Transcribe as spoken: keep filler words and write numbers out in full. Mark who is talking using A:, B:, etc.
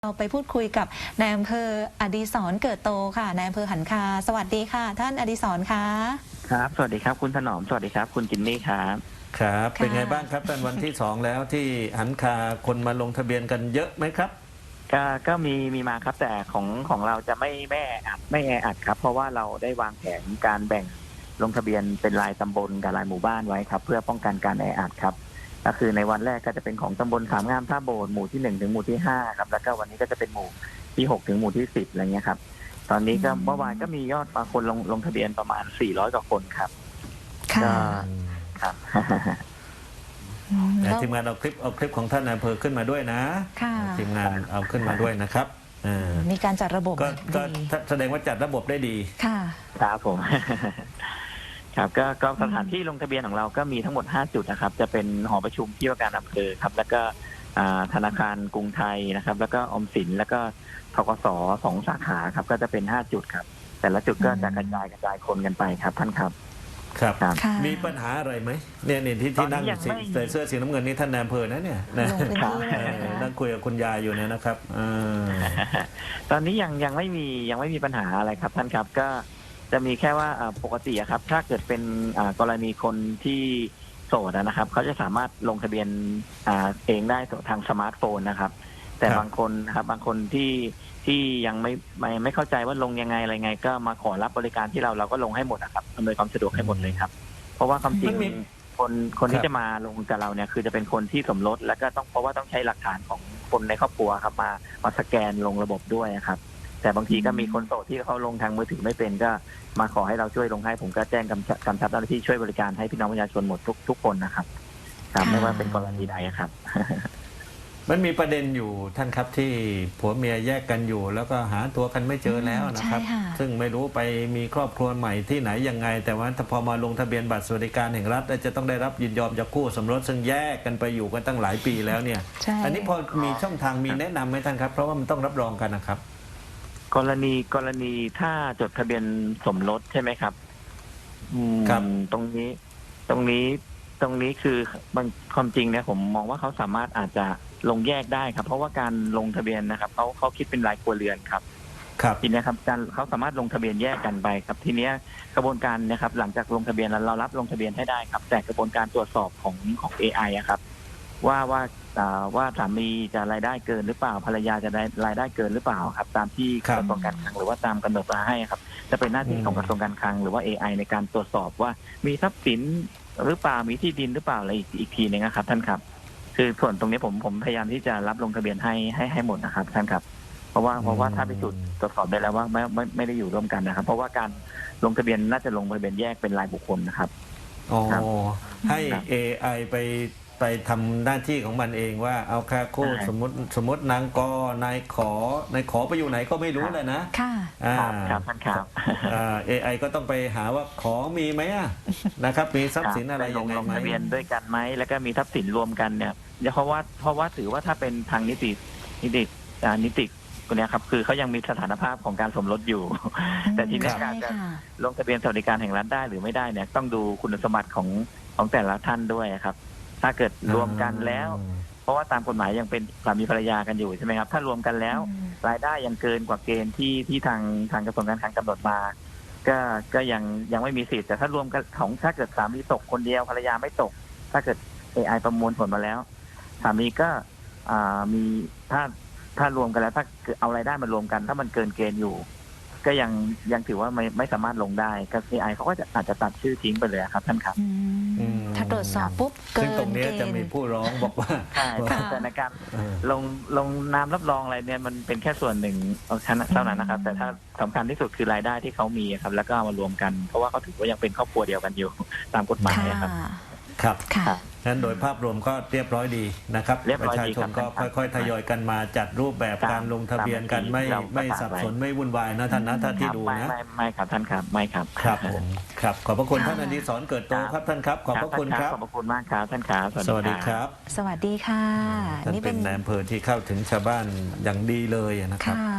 A: เราไปพูดคุยกับนายอำเภออดิศรเกิดโตค่ะนายอำเภอหันคาสวัสดีค่ะท่านอดิศรคะ
B: ครับสวัสดีครับคุณถนอมสวัสดีครับคุณจินนี่ครับ
C: ครับเป็นไงบ้างครับท่านวันที่สองแล้วที่หันคาคนมาลงทะเบียนกันเยอะไหมครับ
B: ก็ก็มีมีมาครับแต่ของของเราจะไม่ไม่แออัดไม่แออัดครับเพราะว่าเราได้วางแผนการแบ่งลงทะเบียนเป็นรายตำบลกับรายหมู่บ้านไว้ครับเพื่อป้องกันการแออัดครับก็คือในวันแรกก็จะเป็นของตำบลขามงามท่าโบสถ์หมู่ที่หนึ่งถึงหมู่ที่ห้าครับแล้วก็วันนี้ก็จะเป็นหมู่ที่หกถึงหมู่ที่สิบอะไรเงี้ยครับตอนนี้ก็เมื่อวานก็มียอดคนลงลงทะเบียนประมาณสี่ร้อยกว่าคนครับ
A: ค่ะ
B: ครับ
C: ทีมงานเอาคลิปเอาคลิปของท่านนายอำเภอขึ้นมาด้วยนะทีมงานเอาขึ้นมาด้วยนะครับ
A: มีการจัดระบบ
C: ก็แสดงว่าจัดระบบได้ดี
A: ค่ะ
B: ครับผมครับก็ก็สถานที่ลงทะเบียนของเราก็มีทั้งหมดห้าจุดนะครับจะเป็นหอประชุมที่ว่าการอำเภอครับแล้วก็ธนาคารกรุงไทยนะครับแล้วก็ออมสินแล้วก็ธกสสองสาขาครับก็จะเป็นห้าจุดครับแต่ละจุดก็จะกระจายกระจายคนกันไปครับท่านครับ
C: ครับมีปัญหาอะไรไหมเนี่ยนี่ที่ที่นั่งใส่เสื้อสีน้ำเงินนี่ท่านนายอำเภอนะเนี่ยนั่งคุยกับคุณยายอยู่เนี่ยนะครับ
B: ตอนนี้ยังยังไม่มียังไม่มีปัญหาอะไรครับท่านครับก็จะมีแค่ว่าปกติครับถ้าเกิดเป็นกรณีคนที่โสดนะครับเขาจะสามารถลงทะเบียนเองได้ทางสมาร์ทโฟนนะครับแต่บางคนนะครับบางคนที่ที่ยังไม่ไม่ไม่เข้าใจว่าลงยังไงอะไรไงก็มาขอรับบริการที่เราเราก็ลงให้หมดนะครับอำนวยความสะดวกให้หมดเลยครับเพราะว่าความจริงคนคนที่จะมาลงกับเราเนี่ยคือจะเป็นคนที่สมรสแล้วก็ต้องเพราะว่าต้องใช้หลักฐานของคนในครอบครัวครับมามาสแกนลงระบบด้วยครับแต่บางทีก็มีคนโสดที่เขาลงทางมือถือไม่เป็นก็มาขอให้เราช่วยลงให้ผมก็แจ้งกำกำชับเจ้าหน้าที่ช่วยบริการให้พี่น้องประชาชนหมดทุกทุกคนนะครับครับไม่ว่าเป็นกรณีใดครับ
C: มันมีประเด็นอยู่ท่านครับที่ผัวเมียแยกกันอยู่แล้วก็หาตัวกันไม่เจอแล้วนะครับซึ่งไม่รู้ไปมีครอบครัวใหม่ที่ไหนยังไงแต่ว่าถ้าพอมาลงทะเบียนบัตรสวัสดิการแห่งรัฐจะต้องได้รับยินยอมจากคู่สมรสซึ่งแยกกันไปอยู่กันตั้งหลายปีแล้วเนี่ยอันนี้พอมีช่องทางมีแนะนำไหมท่านครับเพราะว่ามันต้องรับรองกันนะครับ
B: กรณีกรณีถ้าจดทะเบียนสมรสใช่ไหมครับ
C: ครับ
B: ตรงนี้ตรงนี้ตรงนี้คือบางความจริงเนี่ยผมมองว่าเขาสามารถอาจจะลงแยกได้ครับเพราะว่าการลงทะเบียนนะครับเขาเขาคิดเป็นรายครัวเรือนครับ
C: ครับ
B: ทีนี้ครับการเขาสามารถลงทะเบียนแยกกันไปครับทีนี้กระบวนการนะครับหลังจากลงทะเบียนแล้วเรารับลงทะเบียนให้ได้ครับแต่กระบวนการตรวจสอบของของ เอ ไอ อะครับว่าว่าว่าสามีจะรายได้เกินหรือเปล่าภรรยาจะได้รายได้เกินหรือเปล่าครับตามที่กระทรวงการคลังหรือว่าตามกำหนดมาให้ครับจะเป็นหน้าที่ของกระทรวงการคลังหรือว่า เอ ไอ ในการตรวจสอบว่ามีทรัพย์สินหรือเปล่ามีที่ดินหรือเปล่าอะไรอีกอีกทีนึงนะครับท่านครับคือส่วนตรงนี้ผมผมพยายามที่จะรับลงทะเบียนให้ให้ให้หมดนะครับท่านครับเพราะว่าเพราะว่าถ้าพิสูจน์ตรวจสอบได้แล้วว่าไม่ไม่ไม่ได้อยู่ร่วมกันนะครับเพราะว่าการลงทะเบียนน่าจะลงทะเบียนแยกเป็นรายบุคคลนะครับ
C: อ๋อให้ เอ ไอ ไปไปทำหน้าที่ของมันเองว่าเอาค่าคู่สมมติสมมตินางกนายขอนายขอไปอยู่ไหนก็ไม่รู้เลยนะ
A: ค่ะ
B: ครับท่านครับ
C: เอไอก็ต้องไปหาว่าของมีไหมนะครับมีทรัพย์สินอะไรยังไง
B: ลงทะเบียนด้วยกันไหมแล้วก็มีทรัพย์สินรวมกันเนี่ยเพราะว่าเพราะว่าถือว่าถ้าเป็นทางนิตินิตินิติคนนี้ครับคือเขายังมีสถานภาพของการสมรสอยู่แต่ทีนี้การจะลงทะเบียนสวัสดิการแห่งรัฐได้หรือไม่ได้เนี่ยต้องดูคุณสมบัติของของแต่ละท่านด้วยครับถ้าเกิดรวมกันแล้วเพราะว่าตามกฎหมายยังเป็นสามีภรรยากันอยู่ใช่ไหมครับถ้ารวมกันแล้วรายได้ยังเกินกว่าเกณฑ์ที่ที่ทางทางกระทรวงการคลังกำหนดมาก็ก็ยังยังไม่มีสิทธิ์แต่ถ้ารวมกันของถ้าเกิดสามีตกคนเดียวภรรยาไม่ตกถ้าเกิด เอ ไอ ประมวลผลมาแล้วสามีก็มีถ้าถ้ารวมกันแล้วถ้าเอารายได้มารวมกันถ้ามันเกินเกณฑ์อยู่ก็ยังยังถือว่าไม่ไม่สามารถลงได้ก็ เอ ไอ เขาก็จะอาจจะตัดชื่อทิ้งไปเลยครับท่านครับ
A: ถ้าตรวจสอบปุ๊บเกิน
C: ซึ่งตรงนี้จะมีผู้ร้องบอกว่า
B: ใช่แต่ในการลงลงนามรับรองอะไรเนี่ยมันเป็นแค่ส่วนหนึ่งเท่านั้นนะครับแต่ถ้าสำคัญที่สุดคือรายได้ที่เขามีครับแล้วก็มารวมกันเพราะว่าเขาถือว่ายังเป็นครอบครัวเดียวกันอยู่ตามกฎหมายครับ
C: ครับนั้นโดยภาพรวมก็เรียบร้อยดีนะครับประชาชนก็ค่อยๆทยอยกันมาจัดรูปแบบการลงทะเบียนกันไม่ไม่สับสนไม่วุ่นวายนะท่านนะท่านที่ดูนะ
B: ไม่ไม่ครับท่านครับไม่ครับ
C: ครับผมครับขอบพระคุณท่านอดิศรเกิดโตครับท่านครับขอบพระคุณครับ
B: ขอบพระคุณมากครับท่านครับ
C: สวัสดีครับ
A: สวัสดีค่ะ
C: นี่เป็นนายอำเภอที่เข้าถึงชาวบ้านอย่างดีเลยนะครับ